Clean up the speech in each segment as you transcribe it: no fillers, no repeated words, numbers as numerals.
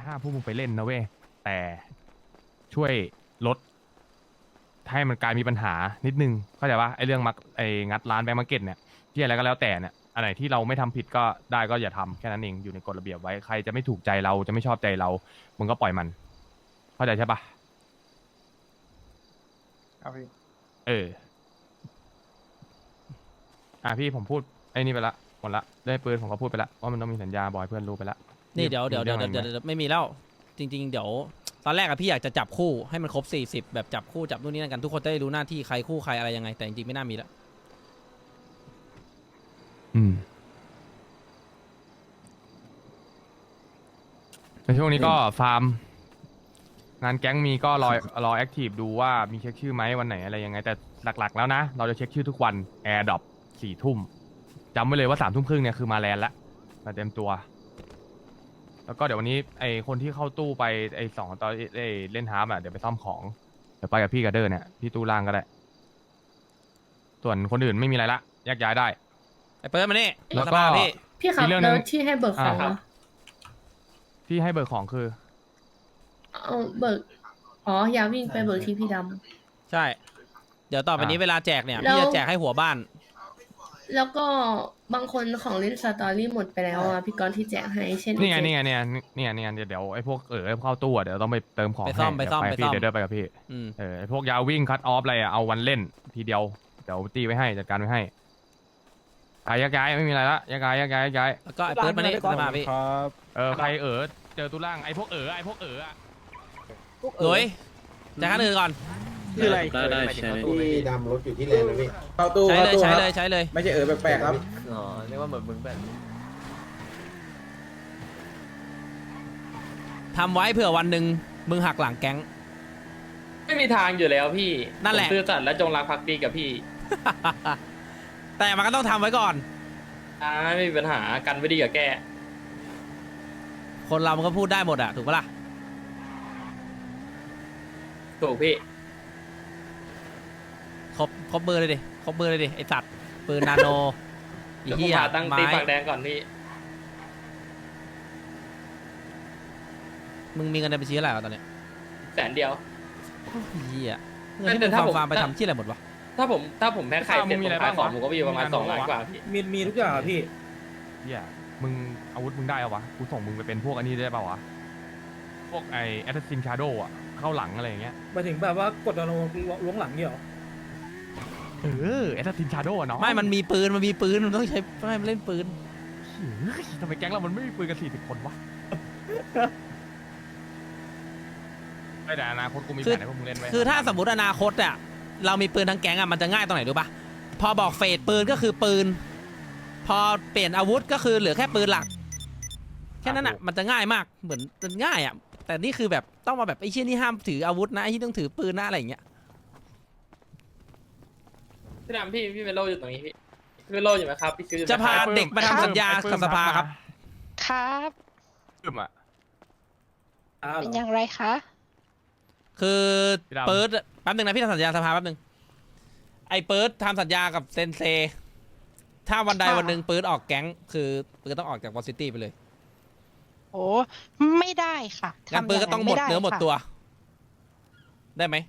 ห้ามพวกมึงไปเล่นนะเว้ยแต่ช่วยลดให้มันกลายมีปัญหานิดนึงเข้าใจปะไอเรื่องมักไองัดร้านแบงก์มาร์เก็ตเนี่ยที่อะไรก็แล้วแต่เนี่ยอันไหนที่เราไม่ทำผิดก็ได้ก็อย่าทำแค่นั้นเองอยู่ในกฎระเบียบไว้ใครจะไม่ถูกใจเราจะไม่ชอบใจเรามึงก็ปล่อยมันเข้าใจใช่ปะครับพี่พี่ผมพูดไอ้นี่ไปละหมดละได้ปืนผมก็พูดไปละว่ามันต้องมีสัญญาบอยเพื่อนรู้ไปละนี่เดี๋ยวไม่มีแล้วจริงๆเดี๋ยวตอนแรกอะพี่อยากจะจับคู่ให้มันครบ40แบบจับคู่จับนู่นนี่นั่นกันทุกคนจะได้รู้หน้าที่ใครคู่ใครอะไรยังไงแต่จริงๆไม่น่ามีแล้วในช่วงนี้ก็ฟาร์มงานแก๊งมีก็รอแอคทีฟดูว่ามีเช็คชื่อไหมวันไหนอะไรยังไงแต่หลักๆแล้วนะเราจะเช็คชื่อทุกวันแอร์ดรอป4 ทุ่มจำไว้เลยว่า3 ทุ่มครึ่งเนี่ยคือมาแลนด์ละมาเต็มตัวแล้วก็เดี๋ยววันนี้ไอคนที่เข้าตู้ไปไอ2 ตอนเล่นฮาร์ปเดี๋ยวไปซ่อมของเดี๋ยวไปกับพี่กับเดอร์เนี่ยที่ตู้ล่างก็ได้ส่วนคนอื่นไม่มีอะไรละแยกย้ายได้ไอ้เปิดมานี่แล้วก็พี่ครับแล้วที่ให้เบิกของที่ให้เบิกของคือเอาเบิกอย่าวิ่งไปเบิกที่พี่ดำใช่เดี๋ยวต่อไปนี้เวลาแจกเนี่ยพี่จะแจกให้หัวบ้านแล้วก็บางคนของเล่นสตอรี่หมดไปแล้วพี่กรณ์ที่แจกให้เช่นนี่ไงเดี๋ยวไอ้พวกเข้าตู้เดี๋ยวต้องไปเติมของให้ไปซ่อมพี่เดี๋ยวเดินไปกับพี่ไอ้พวกยาวิ่งคัตออฟอะไรเอาวันเล่นทีเดียวเดี๋ยวตีไว้ให้จัดการไว้ให้ย้ายไม่มีอะไรละย้ายแล้วก็ไอ้เปิดมานี่มาพี่ใครเจอตู้ล่างไอ้พวกเลยจ่ายค่าอื่นก่อนคืออะไรได้ใช่ที่ดำรถอยู่ที่แลนด์นะพี่เข้าตู้ใช้เลยไม่ใช่แปลกๆครับเรียกว่าเหมือนมึงแบบทำไว้เผื่อวันหนึ่งมึงหักหลังแก๊งไม่มีทางอยู่แล้วพี่นั่นแหละซื่อสัตย์และจงรักภักดีกับพี่แต่มันก็ต้องทำไว้ก่อนไม่มีปัญหากันไว้ดีกับแกคนเรามันก็พูดได้หมดอะถูกปะล่ะถูกพี่ครบมือเลยดิไอสัตว์ปืนนาโนอีเหี้ยตั้งตีปากแดงก่อนพี่มึงมีเงินในบัญชีเท่าไหร่ตอนเนี้ย 100,000เดียวเหี้ยเงินที่มึงฟาร์มไปทำที่อะไรหมดวะถ้าผมแพ้ไข่เสร็จผมขายของผมก็มีประมาณ2 ล้านกว่าพี่มีทุกอย่างพี่มึงอาวุธมึงได้เอาวะกูส่งมึงไปเป็นพวกอันนี้ได้ป่าวะพวกไอแอสซัสซินชาโดว์เข้าหลังอะไรอย่างเงี้ยมาถึงแบบว่ากดล้วงหลังเนี่ยหรอแอสซัสซินชาโดว์เนาะไม่มันมีปืนมันต้องใช้ไม่เล่นปืนทำไมแก๊งเรามันไม่มีปืนกัน40 คนวะไม่แต่อนาคตกูมีแผนให้พวกมึงเล่นไว้คือถ้าสมมติอนาคตอ่ะเรามีปืนทั้งแก๊งอ่ะมันจะง่ายตรงไหนรู้ปะพอบอกเฟสปืนก็คือปืนพอเปลี่ยนอาวุธก็คือเหลือแค่ปืนหลักแค่นั้นอ่ะมันจะง่ายมากเหมือนมันง่ายอ่ะแต่นี่คือแบบต้องมาแบบไอ้เชี่ยนี่ห้ามถืออาวุธนะไอ้ที่ต้องถือปืนนะอะไรอย่างเงี้ยพี่ดำพี่เมโลอยู่ตรงนี้พี่เมโลอยู่ไหมครับพี่จะพาเด็กมาทำสัญญากับสภาครับครับเป็นอย่างไรคะคือเปิดแป๊บนึงนะพี่ทำสัญญาสภาแป๊บนึงไอ้เปิดทำสัญญากับเซนเซถ้าวันใดวันหนึ่งเปิดออกแก๊งคือเปิดต้องออกจากวอซิตี้ไปเลยโอ้ไม่ได้ค่ะงั้นเปิดก็ต้องหมดเนื้อหมดตัวได้ไหม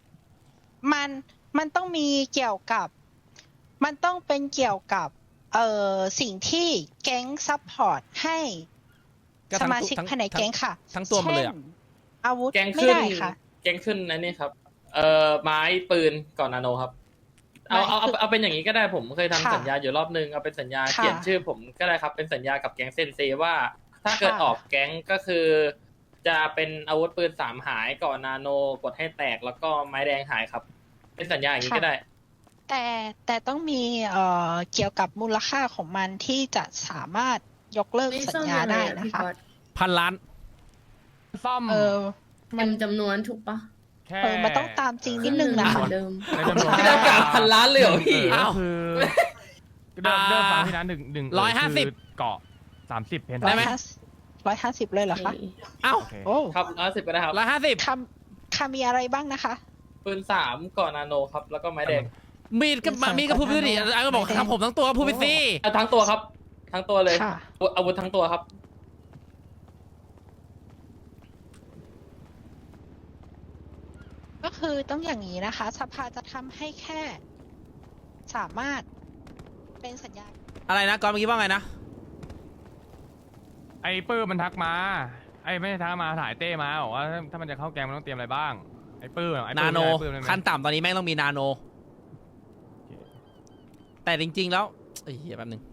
มันต้องมีเกี่ยวกับมันต้องเป็นเกี่ยวกับสิ่งที่แก๊งซัพพอร์ตให้สมาชิกภายในแก๊งค่ะทั้งตัวมันเลยอาวุธไม่ได้ค่ะแก๊งขึ้นอันนี้ครับไม้ปืนก่อนนาโนครับเอาเป็นอย่างนี้ก็ได้ผมเคยทำสัญญาอยู่รอบนึงเอาเป็นสัญญาเขียนชื่อผมก็ได้ครับเป็นสัญญากับแก๊งเซนเซว่าถ้าเกิดออกแก๊งก็คือจะเป็นอาวุธปืน3 หายก่อนนาโนกดให้แตกแล้วก็ไม้แดงหายครับเป็นสัญญาอย่างนี้ก็ได้แต่ต้องมีเกี่ยวกับมูลค่าของมันที่จะสามารถยกเลิกสัญญาได้นะคะ 1,000 ล้านซ่อมมันจำนวนถูกปะมันต้องตามจริงนิดนึงนะเดิมพี่ต้องการ1,000 ล้านเลยเหรอพี่เดิมฟังพี่นะ150เกาะ30เพนได้ไหม 150เลยเหรอคะอ้าวครับ150ก็ได้ครับ 150มีอะไรบ้างนะคะปืน3ก่อนนาโนครับแล้วก็ไม้แดงมีก็พูดไปดิก็บอกทำผมทั้งตัวพูดไปสิทั้งตัวครับทั้งตัวเลยอาวุธทั้งตัวครับก็คือต้องอย่างนี้นะคะ สภาจะทำให้แค่ สามารถเป็นสัญญาอะไรนะก่อนเมื่อกี้ว่าไงนะไอ้ปื้มมันทักมาไอ้ไม่ใช่ทักมาถ่ายเต้มาบอกว่าถ้ามันจะเข้าแกงมันต้องเตรียมอะไรบ้างไอ้ปื้มไอ้ปื้นาม โนไอ้ปื้มได้ไหมขั้นต่ำตอนนี้แม่งต้องมีนาโน แต่จริง ๆ แล้วเอ้ยเหี้ยแป๊บนึง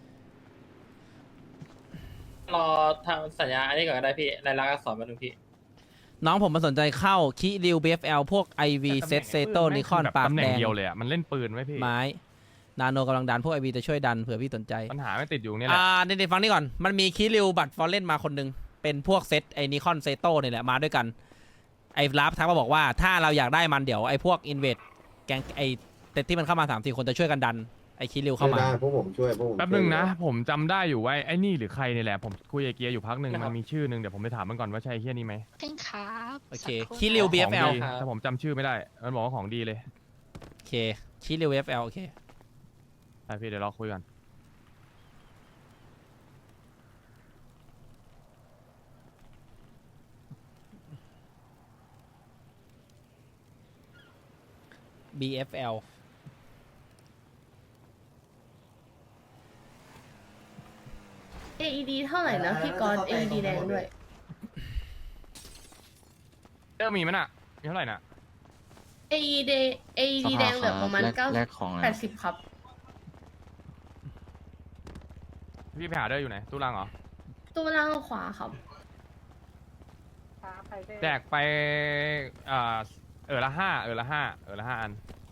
รอทำสัญญาอันนี้ก่อนก็ได้พี่รายลักษณ์อักษรมาหนึ่งพี่น้องผมมาสนใจเข้าคิริว BFL พวก IV เซตเซโตนิคอนแบบปากตำแหน่แดงงเดียวเลยอ่ะมันเล่นปืนไว้พี่ไม้นาโนกำลังดันพวก IV จะช่วยดันเผื่อพี่สนใจปัญหาไม่ติดอยู่นี่แหละเดี๋ยวฟังนี่ก่อน มันมีคิริวบัตรฟอร์เรนมาคนหนึง เป็นพวกเซตไอ้นิคอนเซโตนี่แหละมาด้วยกัน ไอ้ลับทักมาบอกว่าถ้าเราอยากได้มันเดี๋ยวไอ้พวกอินเวดแกงไอ้เซตที่มันเข้ามา 3-4 คนจะช่วยกันดัน ไอ้คิริวเข้ามาได้พวกผมช่วยพวกผมแป๊บนึงนะ ผมจำได้อยู่ว่าไอ้นี่หรือใครนี่แหละผมคุยกับเกียร์อยู่พักหนึ่งนะครับมันมีชื่อหนึ่งเดี๋ยวผมไปถามมันก่อนว่าใช่ไอ้เฮียนี่ไหมเช่นครับโอเคสักรู่คิริวนะ BFL ของดีแต่ผมจำชื่อไม่ได้มันบอกว่าของดีเลยโอเคคิริว BFL โอเคไปพี่เดี๋ยวรอคุยกัน BFL AED เท่าไหร่นะพี่ก๊อต AED แดงด้วยมีไหมน่ะมีเท่าไหร่น่ะ AED AED แดงเหลือประมาณ80ครับพี่ไปหาเดอร์อยู่ไหนตู้ล่างเหรอตู้ล่างขวาครับแจกไปละห้าละห้าอัน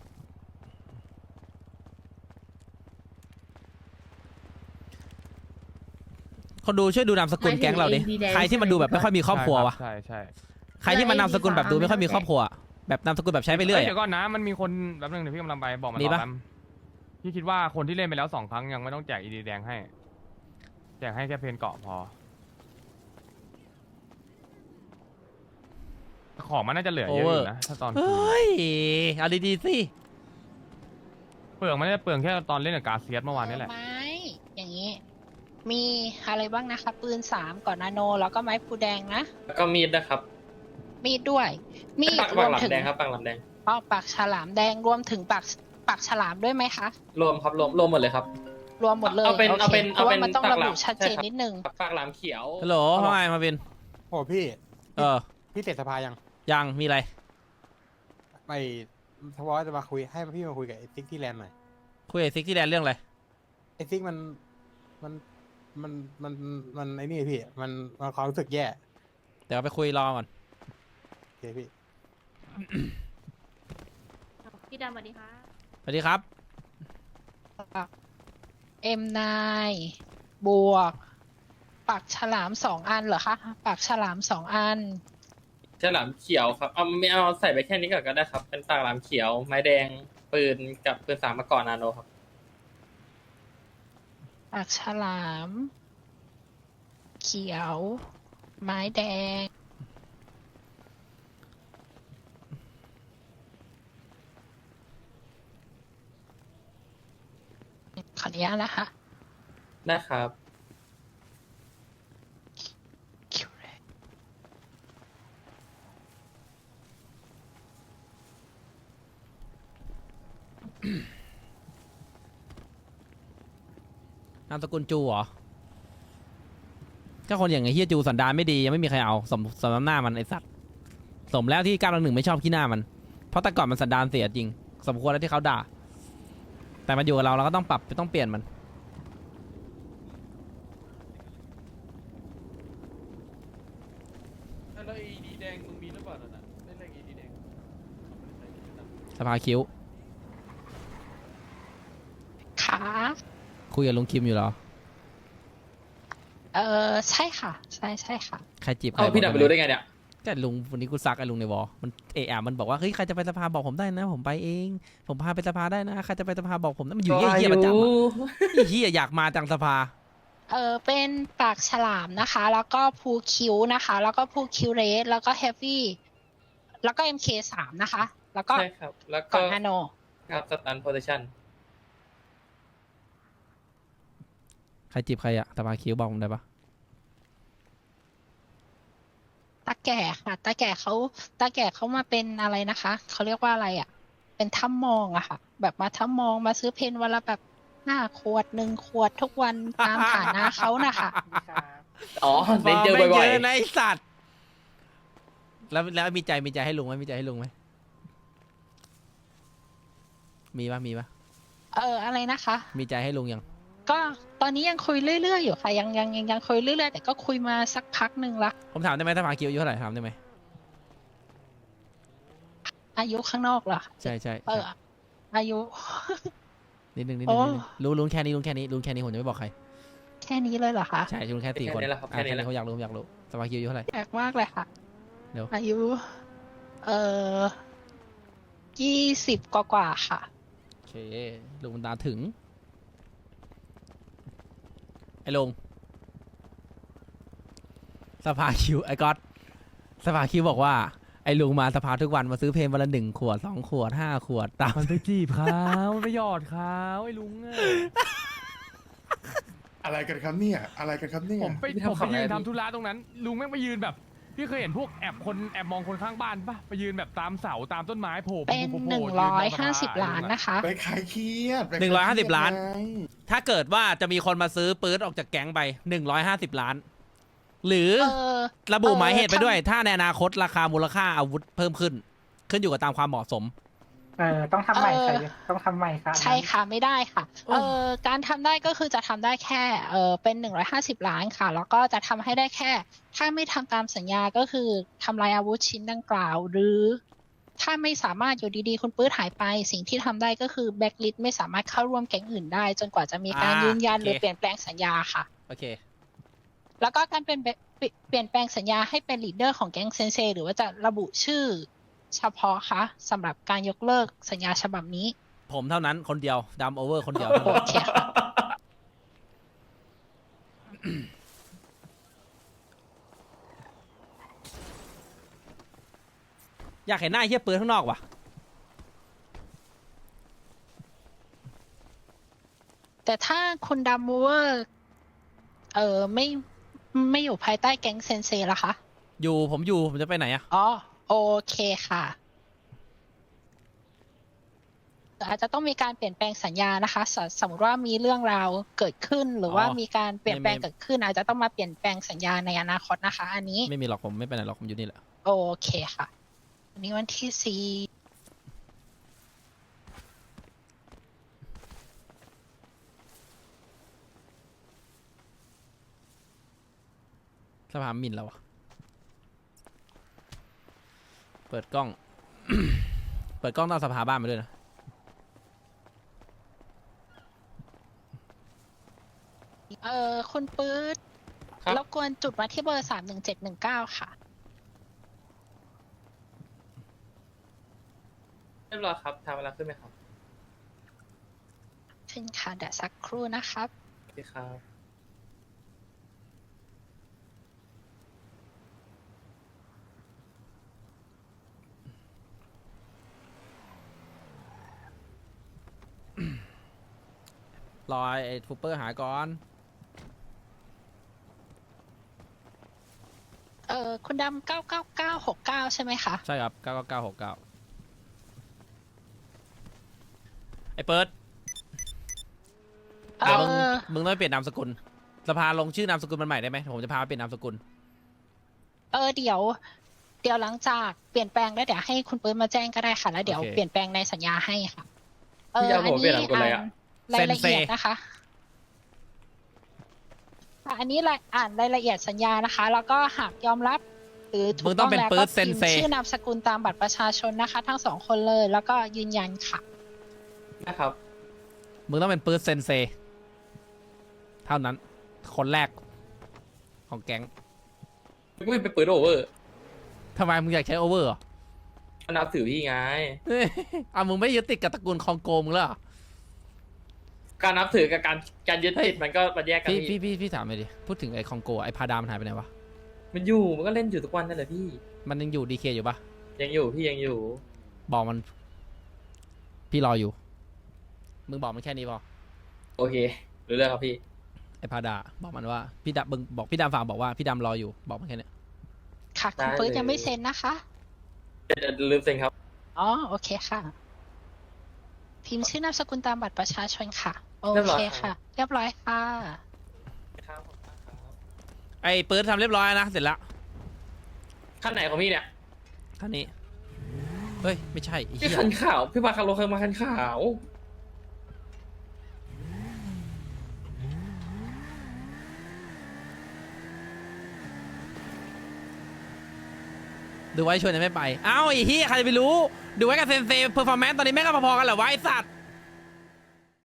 คนดูช่วยดูนามสกุลแก๊งเราดิหมายถึง AD แดงใครที่มันดูแบบไม่ค่อยมีครอบครัววะใช่ใช่ใครที่มันนามสกุลแบบดูไม่ค่อยมีครอบครัว แบบนามสกุลแบบใช้ไปเรื่อยเดี๋ยวก่อนนะมันมีคนแป๊บนึงเดี๋ยวพี่กำลังไปบอกมันมีรอปะแป๊บพี่คิดว่าคนที่เล่นไปแล้ว2 ครั้งยังไม่ต้องแจกอีดีแดงให้แจกให้แค่เพนเกาะพอของมันน่าจะเหลือเยอะอยู่นะถ้าตอนเฮ้ยเอาดีๆสิเปลืองมันน่าจะเปลืองแค่ตอนเล่นกับกาเซียสเมื่อวานนี่แหละไม้อย่างนี้ มีอะไรบ้างนะคะ ปืน3ก่อนนาโน แล้วก็ไม้พูแดงนะแล้วก็มีดนะครับมีดด้วย มีดปากรวมหลามถึงแดงครับปากหลามแดงอ๋อปากฉลามแดงรวมถึงปากฉลามด้วยไหมคะรวมครับรวมหมดเลยครับรวมหมดเลยเอาเป็นโคเอาเป็นเพราะว่าเอาเป็นมันต้องปากระหลาบุมชัดเจนใช่ครับนิดนึงปากหลามเขียวฮัลโหลว่าไงมาวินโอ้พี่ พี่เสร็จสภายังยังมีอะไรไปทว่าจะมาคุยให้พี่มาคุยกับไอ้ซิกที่แลนด์หน่อยคุยกับซิกที่แดนเรื่องอะไรไอ้ซิกมันไอ้นี่พี่มันความรู้สึกแย่เดี๋ยวไปคุยรอก่อนโอเคพี่พี่ดำสวัสดีค่ะสวัสดีครับ M9 บวก ปากฉลาม2 อันเหรอคะ ปากฉลาม2 อันฉลามเขียวครับไม่เอาใส่ไปแค่นี้ก่อนก็ได้ครับ เป็นปากหลามเขียว ไม้แดง ปืนกับปืน3มาก่อนนาโนครับปากฉลาม เขียว ไม้แดง ขออนุญาตนะคะได้ครับนามสกุลจูเหรอก็คนอย่างไอ้เฮียจูสันดานไม่ดียังไม่มีใครเอาสมน้ำหน้ามันไอสัตว์สมแล้วที่9-1ไม่ชอบขี้หน้ามัน เพราะแต่ก่อนมันสันดานเสียจริง สมควรแล้วที่เขาด่า แต่มันอยู่กับเราเราก็ต้องปรับต้องเปลี่ยนมันแล้วอีดีแดงมึงมีหรือเปล่าน่ะเล่นอะไรอีดีแดงสภาคิ้วขาคุยกับลุงคิมอยู่เหรอใช่ค่ะ ใช่ค่ะใครจีบใครเอาพี่ดับไปรู้ได้ไงเนี่ยก็ลุงวันนี้กูซักไอ้ลุงในวอมันมันบอกว่าเฮ้ยใครจะไปสภาบอกผมได้นะ ผมไปเอง ผมพาไปสภาได้นะใครจะไปสภาบอกผมนะมันอยู่เยี่ยประจำอะเยี่ยอยากมาจังสภาเป็นปากฉลามนะคะ แล้วก็พูคิวนะคะ แล้วก็พูคิวเรสแล้วก็เฮฟวี่ แล้วก็ MK3 นะคะ แล้วก็ใช่ครับ แล้วก่ก็อนนาโนครับสตันโพซิชันใครจีบใครอะสภาคิ้วบอกผมได้ปะตะแก่ค่ะตาแก่เขามาเป็นอะไรนะคะเขาเรียกว่าอะไรอ่ะ เป็นถ้ำมองอะค่ะ แบบมาถ้ำมองมาซื้อเพนวันละแบบ5 ขวด1 ขวดทุกวันตามฐานะเขานะคะอ๋อฟอเน้นร์มเจอแม่งบ่เยอยอะนะไอสัตว์แล้วมีใจให้ลุงไหมมีใจให้ลุงไหมมีปะอะไรนะคะมีใจให้ลุงยังก็ตอนนี้ยังคุยเรื่อยๆอยู่ค่ะยังคุยเรื่อยๆแต่ก็คุยมาสักพักหนึ่งละผมถามได้ไหมสภาคิวอายุเท่าไหร่ถามได้ไหมอายุข้างนอกเหรอใช่อายุนิดนึงโอ้รู้แค่นี้ผมจะไม่บอกใครแค่นี้เลยเหรอคะใช่ลุงแค่4 คนแค่นี้แหละครับแค่นี้แหละเขาอยากรู้สภาคิวอายุเท่าไหร่แปลกมากเลยค่ะเดี๋ยวอายุ20 กว่าค่ะโอเคลุงมันตาถึงไอ้ลุงสภาคิวไอ้ก๊อตสภาคิวบอกว่าไอ้ลุงมาสภาทุกวันมาซื้อเพลงวันละ1 ขวด 2 ขวด 5 ขวดตามมันไปจีบเขามันไปหยอดเขาไอ้ลุงอะอะไรกันครับเนี่ย อะไรกันครับเนี่ยผมไปยืนทำธุระตรงนั้น ลุงแม่งไปยืนแบบ พี่เคยเห็นพวกแอบมองคนข้างบ้านปะไปยืนแบบตามเสาตามต้นไม้โผล่เป็นโผล่ยืนตามสะพาน 150 ล้านนะคะไปขายเครียดไปขายเครียด 150 ล้านไงถ้าเกิดว่าจะมีคนมาซื้อปื๊ดออกจากแก๊งไป150 ล้าน หรือ ระบุหมายเหตุไปด้วย ถ้าในอนาคตราคามูลค่าอาวุธเพิ่มขึ้นอยู่กับตามความเหมาะสมต้องทำใหม่ค่ะต้องทำใหม่ค่ะใช่ค่ะไม่ได้ค่ะการทำได้ก็คือจะทำได้แค่เป็น150 ล้านค่ะ แล้วก็จะทำให้ได้แค่ ถ้าไม่ทำตามสัญญาก็คือทำลายอาวุธชิ้นดังกล่าว หรือถ้าไม่สามารถอยู่ดีๆคุณปื้ดหายไป สิ่งที่ทำได้ก็คือแบ็คลิสต์ไม่สามารถเข้าร่วมแก๊งอื่นได้ จนกว่าจะมีการยืนยันโอเคหรือเปลี่ยนแปลงสัญญาค่ะโอเคแล้วก็การเปลี่ยนแปลงสัญญาให้เป็นลีดเดอร์ของแก๊งเซนเซหรือว่าจะระบุชื่อเฉพาะคะสำหรับการยกเลิกสัญญาฉบับนี้ผมเท่านั้นคนเดียวดำโอเวอร์คนเดียวโอเคค่ะอยากเห็นหน้าไอ้เฮียปืนข้างนอกว่ะแต่ถ้าคุณดัมมูเวอร์ไม่อยู่ภายใต้แก๊งเซนเซล่ะคะผมจะไปไหนอะอ๋อโอเคค่ะอาจจะต้องมีการเปลี่ยนแปลงสัญญานะคะสมมติว่ามีเรื่องราวเกิดขึ้นหรือว่ามีการเปลี่ยนแปลงเกิดขึ้น อาจจะต้องมาเปลี่ยนแปลงสัญญาในอนาคตนะคะ อันนี้ไม่มีหรอกผมไม่ไปไหนหรอกผมอยู่นี่แหละโอเคค่ะวันนี้วันที่สภาหมิ่นแล้วอะเปิดกล้อง เปิดกล้องต้องเอาสภาบ้านมาด้วยนะ 4คุณปื๊ดครับรบกวนจุดมาที่เบอร์31719ค่ะเรียบร้อยครับทำเวลาขึ้นไหมครับเช่นค่ะเดี๋ยวสักครู่นะครับโอเคครับรอไอ้ทูเปอร์หายก่อนคุณดำ99969 ใช่ไหมคะใช่ครับ99969ไอ้เปิดเอเดี๋ยวมึงอมึงต้องไปเปลี่ยนนามสกุล สภาลงชื่อนามสกุลมันใหม่ได้ไหมผมจะพาไปเปลี่ยนนามสกุลเดี๋ยวหลังจากเปลี่ยนแปลงแล้วเดี๋ยวให้คุณปื้นมาแจ้งก็ได้ค่ะ แล้วเดี๋ยวโอเคเปลี่ยนแปลงในสัญญาให้ค่ะพี่จะเอาผมเปลี่ยนนามสกุลอะไรอะรายละเอียดเซนเซนะคะอันนี้อ่านรายละเอียดสัญญานะคะ แล้วก็หากยอมรับ หรือถูมึกงต้ต้ออง งเป็นแล้วปื๊ก็ดเซพินมพ์เซชื่อนามสกุลตามบัตรประชาชนนะคะ ทั้ง2 คนเลย แล้วก็ยืนยันค่ะนะครับมึงต้องเป็นปื๊ดเซนเซ เท่านั้น คนแรกของแก๊งก็ไม่เป็นปืนโอเวอร์ทำไมมึงอยากใช้โอเวอร์เหรอมันนับถือพี่ไงมึงไม่ยึดติดกับตระกูลคองโกมึงแล้วเหรอการนับถือกับการยึดติดมันก็มันแยกกันพี่ถามเลยดิ พูดถึงไอ้คองโกไอ้พาดามันหายไปไหนวะมันอยู่มันก็เล่นอยู่ทุกวันนั่นแหละพี่มันยังอยู่ดีเคอยู่ปะยังอยู่พี่ยังอยู่บอกมัน พี่รออยู่ มึงบอกมันแค่นี้พอโอเครู้เรื่องครับพี่ไอ้พาดาบอกมันว่าพี่ดำมึงบอกพี่ดำฝากบอกว่าพี่ดำรออยู่บอกมันแค่เนี้ยค่ะคุณปื๊ดยังไม่เซ็นนะคะเดี๋ยวลืมเซ็นครับอ๋อโอเคค่ะ พิมพ์ชื่อนามสกุลตามบัตรประชาชนค่ะ โอเรียบร้อเคยครับค่ะ เรียบร้อยค่ะครับไอ้ปืนทำเรียบร้อยนะเสร็จแล้วขั้นไหนของพี่เนี่ยคันนี้เฮ้ยไม่ใช่ไอ้พี่เหี้ยคันขาวพี่มาคาโลเคยมาคันขาวดูไว้ชวนยังไม่ไปเอ้าไอ้เหี้ยใครจะไปรู้ดูไว้กับเซนเซเพอร์ฟอร์แมนซ์ตอนนี้แม่งก็พอๆกันเหรอวะไอ้สัตว์